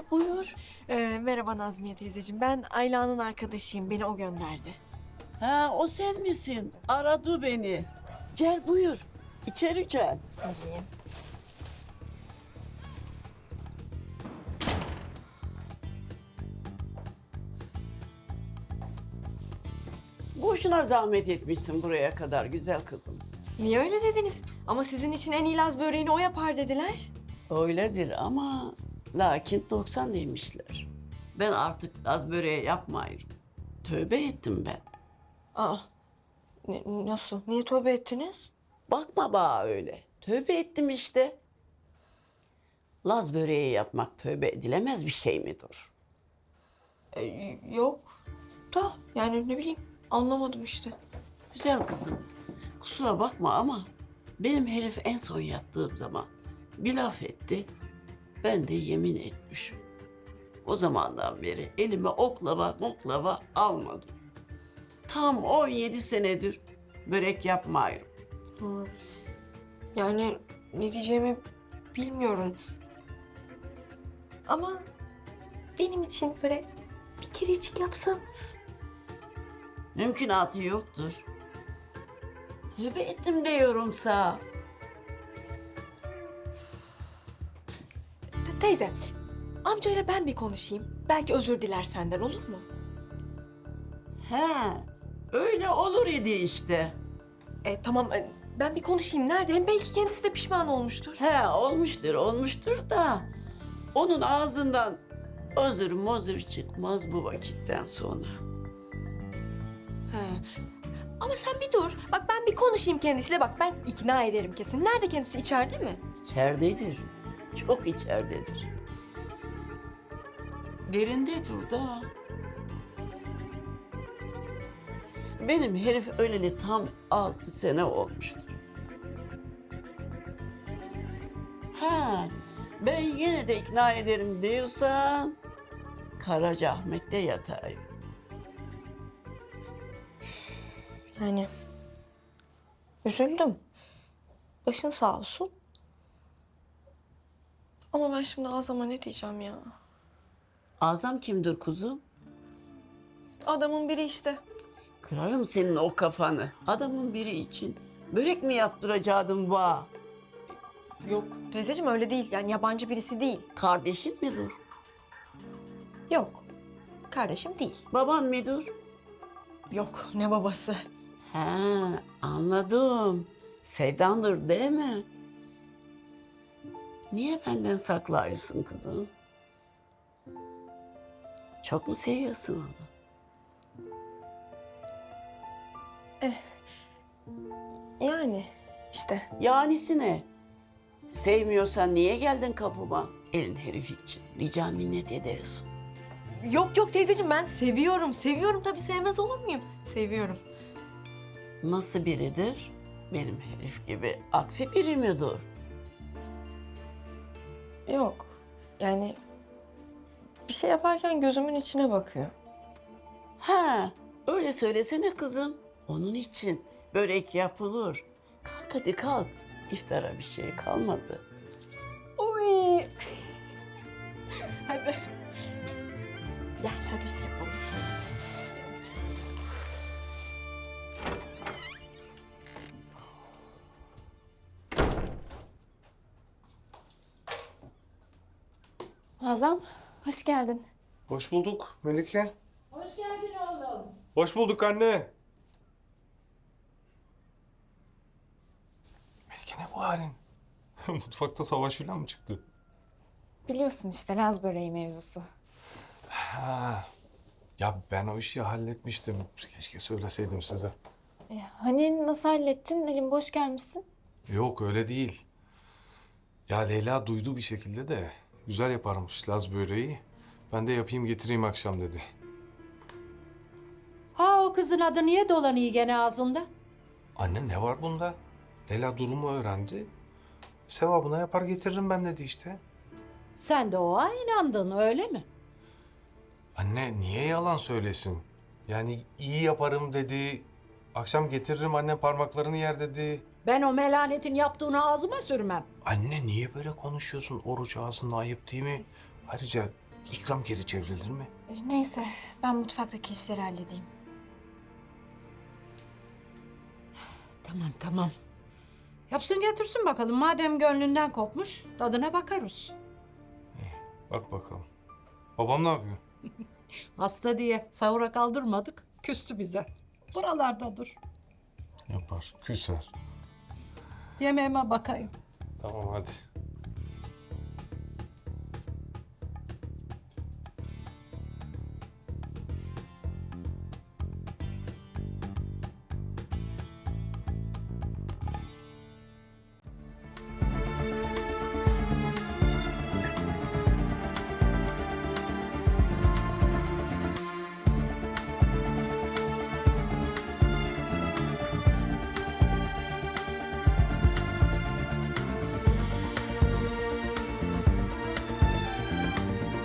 buyur. Merhaba Nazmiye teyzeciğim. Ben Ayla'nın arkadaşıyım. Beni o gönderdi. Ha, o sen misin? Aradı beni. Gel buyur. İçeri gel. Tabii. Boşuna zahmet etmişsin buraya kadar güzel kızım. Niye öyle dediniz? Ama sizin için en iyi Laz böreğini o yapar dediler. Öyledir ama lakin 90 demişler. Ben artık Laz böreği yapmıyorum. Tövbe ettim ben. Aa, nasıl? Niye tövbe ettiniz? Bakma bana öyle. Tövbe ettim işte. Laz böreği yapmak tövbe edilemez bir şey midir? Yok. Da yani ne bileyim anlamadım işte. Güzel kızım. Kusura bakma ama benim herif en son yattığım zaman bir laf etti. Ben de yemin etmişim. O zamandan beri elime oklava almadım. Tam 17 senedir börek yapmıyorum. Yani ne diyeceğimi bilmiyorum. Ama benim için böyle bir kerecik yapsanız. Mümkünatı yoktur. Tövbe ettim diyorum sana. Teyze, amcayla ben bir konuşayım. Belki özür diler senden, olur mu? He, öyle olur idi işte. Tamam, ben bir konuşayım. Nerede? Hem belki kendisi de pişman olmuştur. He, olmuştur da onun ağzından özür çıkmaz bu vakitten sonra. He. Ama sen bir dur. Bak ben bir konuşayım kendisiyle. Bak ben ikna ederim kesin. Nerede kendisi? İçeride mi? İçeridedir. Çok içeridedir. Derindedir da. Benim herif öleli tam 6 sene olmuştur. Ha, ben yine de ikna ederim diyorsan Karacaahmet'te yatayım. Yani üzüldüm. Başın sağ olsun. Ama ben şimdi Azam'a ne diyeceğim ya? Azam kimdir kuzum? Adamın biri işte. Kırarım senin o kafanı. Adamın biri için börek mi yaptıracaktın va? Yok teyzeciğim öyle değil. Yani yabancı birisi değil. Kardeşin midir? Yok. Kardeşim değil. Baban mıdır? Yok ne babası. He, anladım. Sevdandır değil mi? Niye benden saklıyorsun kızım? Çok mu seviyorsun onu? Yani işte. Yanisi ne? Sevmiyorsan niye geldin kapıma? Elin herifi için. Rica minnet ediyorsun. Yok teyzeciğim ben seviyorum. Seviyorum tabii sevmez olur muyum? Seviyorum. Nasıl biridir? Benim herif gibi aksi biri midir? Yok. Yani bir şey yaparken gözümün içine bakıyor. Ha, öyle söylesene kızım. Onun için börek yapılır. Kalk hadi kalk. İftara bir şey kalmadı. Uy. Hadi. Gel hadi yapalım. Azam, hoş geldin. Hoş bulduk Melike. Hoş geldin oğlum. Hoş bulduk anne. Melike ne bu halin? Mutfakta savaş falan mı çıktı? Biliyorsun işte Laz böreği mevzusu. Ha. Ya ben o işi halletmiştim. Keşke söyleseydim size. Hani nasıl hallettin? Elin boş gelmişsin. Yok öyle değil. Ya Leyla duydu bir şekilde de güzel yaparmış Laz böreği. Ben de yapayım getireyim akşam dedi. Ha o kızın adı niye dolanıyor gene ağzında? Anne ne var bunda? Leyla durumu öğrendi. Sevabına yapar getiririm ben dedi işte. Sen de oğa inandın öyle mi? Anne niye yalan söylesin? Yani iyi yaparım dedi. Akşam getiririm anne parmaklarını yer dedi. Ben o melanetin yaptığını ağzıma sürmem. Anne niye böyle konuşuyorsun? Oruç ağzında ayıp değil mi? Ayrıca İkram geri çevrilir mi? Neyse ben mutfaktaki işleri halledeyim. Tamam tamam. Yapsın getirsin bakalım. Madem gönlünden kopmuş tadına bakarız. Bak bakalım. Babam ne yapıyor? Hasta diye sahura kaldırmadık. Küstü bize. Buralarda dur. Yapar. Küser. Yemeğime bakayım. Tamam hadi.